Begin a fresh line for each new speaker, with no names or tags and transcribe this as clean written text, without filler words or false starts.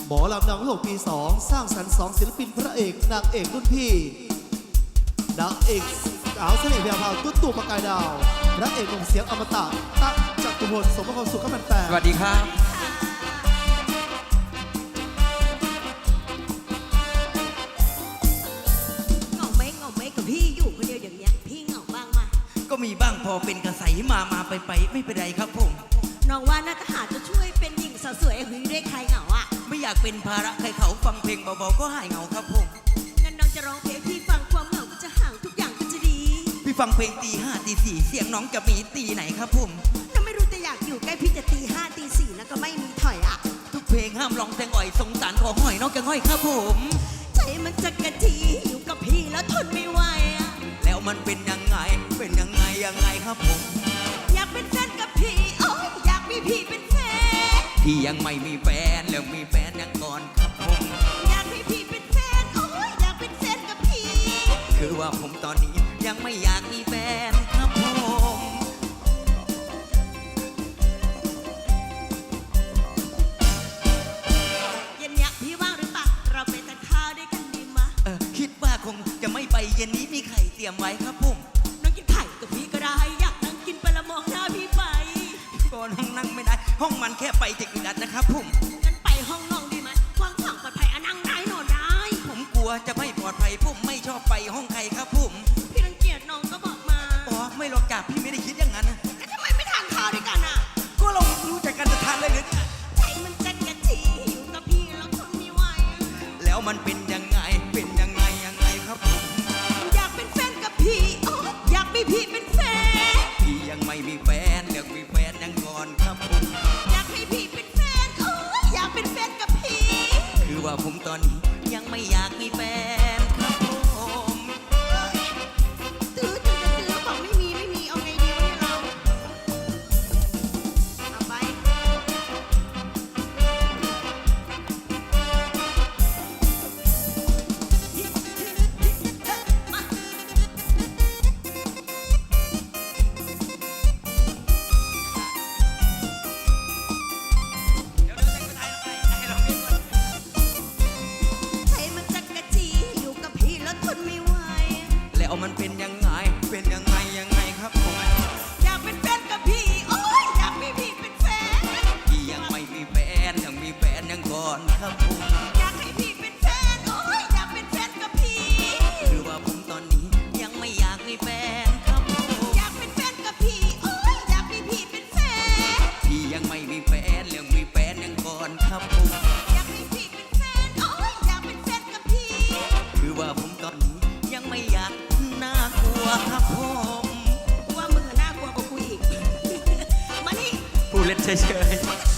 หมอลำดังโลกปี2สร้างสรรค์2ศิลปินพระเอกนางเอกรุ่นพี่นางเอกสาวเสน่ห์แวววาวตุ้ตู่ประกายดาวพระเอกหนุ่มเสียงอมตะตั๊กจตุพลสมบัติสุขมันแปล
สวัสดีครับ
เหงาไหมกับพี่อยู่คนเดียวอย่างเนี้ยพี่เหงาบ้างมา
ก็มีบ้างพอเป็นกระใสมาไปไม่เป็นไรครับผม
น้องว่าน่าจะหาจะช่วยเป็นหญิงสาวสวยหึงได้ใครเหงาอ่ะ
ไม่อยากเป็นภาระใครเขาฟังเพลงเบาๆก็หายเหงาครับผม
งั้นน้องจะร้องเพลงพี่ฟังความเหงาก็จะห่างทุกอย่างก็จะดี
พี่ฟังเพลงตี 5 ตี 4เสียงน้องจะมีตีไหนครับผม
น้องไม่รู้แต่อยากอยู่ใกล้พี่จะตี 5 ตี 4แล้วก็ไม่มีถอยอ่ะ
ทุกเพลงห้ามร้องแตงอ่อยสงสารขอหอยน้องจะห้อยครับผม
ใจมันจะกระทีอยู่กับพี่แล้วทนไม่ไหวอ่ะ
แล้วมันเป็นยังไงครับผม
อยากเป็นแฟนกับพี่โอ้ยอยากมีพี่เป็นแฟน
พี่ยังไม่มีแฟนแล้วมีแฟนยังก่อนครับผม
อยากให้พี่เป็นแฟนโอ้ยอยากเป็นแฟนกับพี่
คือว่าผมตอนนี้ยังไม่อยากมีแฟนครับผม
เย็นเนี้ยพี่ว่างหรือเปล่าเราไปทานข้าวด้วยกันดีมะ
คิดว่าคงจะไม่ไปเย็นนี้มีไข่เตรียมไว้ครับผม
น้องกินไข่กับพี่ก็ได้อยากนั่งกินไปละมองหน้าพี่ไป
ก่อนห้องนั่งไม่ได้ ห้องมันแค่ไปจะอึดอัดนะครับผม
งั้นไปห้องน้องดีไหมกว้างขวางปลอดภัยอะนั่งได้นอนได้
ผมกลัวจะไม่ปลอดภัยผมไม่ชอบไปห้องใครครับผม
พี่รังเกียจน้องก็บอกมา
อ๋อไม่หรอกจ้ะพี่ไม่ได้คิดอย่างนั้นนะ
แล้วทำไมไม่ทานข้าวด้วยกันอะ
ก็เรารู้จักกันจะทานเลยหรือเนี่ย
ใจมันจะกระทีอยู่กับพี่แล้วทนไม่ไหวอะ
แล้วมันเป็นยังไงครับผม
อยากเป็นแฟนกับพี่โอ้ยอยากมีพี่เป็นแฟน
พี่ยังไม่มีแฟนเดี๋ยวมีแฟนยังก่อนครับผม
อยากให้พี่เป็นแฟนโอ้ยอยากเป็นแฟนกับพี่
คือว่าผมตอนนี้ยังไม่อยากมีแฟนครับผม
ตื้อบอกไม่มีเอาไงดีวะเนี่ยเราเอาไปมา
เดี๋ยวจะไปถ่ายให้เราเรียนก่อน
ใจมันจะกระจีอยู่กับพี่แล้วทนไม่ไหว
แล้วมันเป็นยังไงครับผม
อยากเป็นแฟนกับพี่โอ้ยอยากมีพี่เป็นแฟน
พี่ยังไม่มีแฟนยังมีแฟนยังก่อนครับผม
อยากให้พี่เป็นแฟนโอ้ยอยากเป็นแฟนกับพี่
คือว่าผมตอนนี้ยังไม่อยากมีแฟนครับผม
อยากเป็นแฟนกับพี่โอ้ยอยากมีพี่เป็นแฟน
พี่ยังไม่มีแฟนเรื่องมีแฟนยังก่อนครับผม
อยากให้พี่เป็นแฟนโอ้ยอยากเป็นแฟนกับพี่
คือว่าผมตอนนี้ยังไม่อยากน่ากลัวครับผม
ว่ามึงอะน่ากลัวกว่ากูอีก มานี่
ผู้เล่นเฉย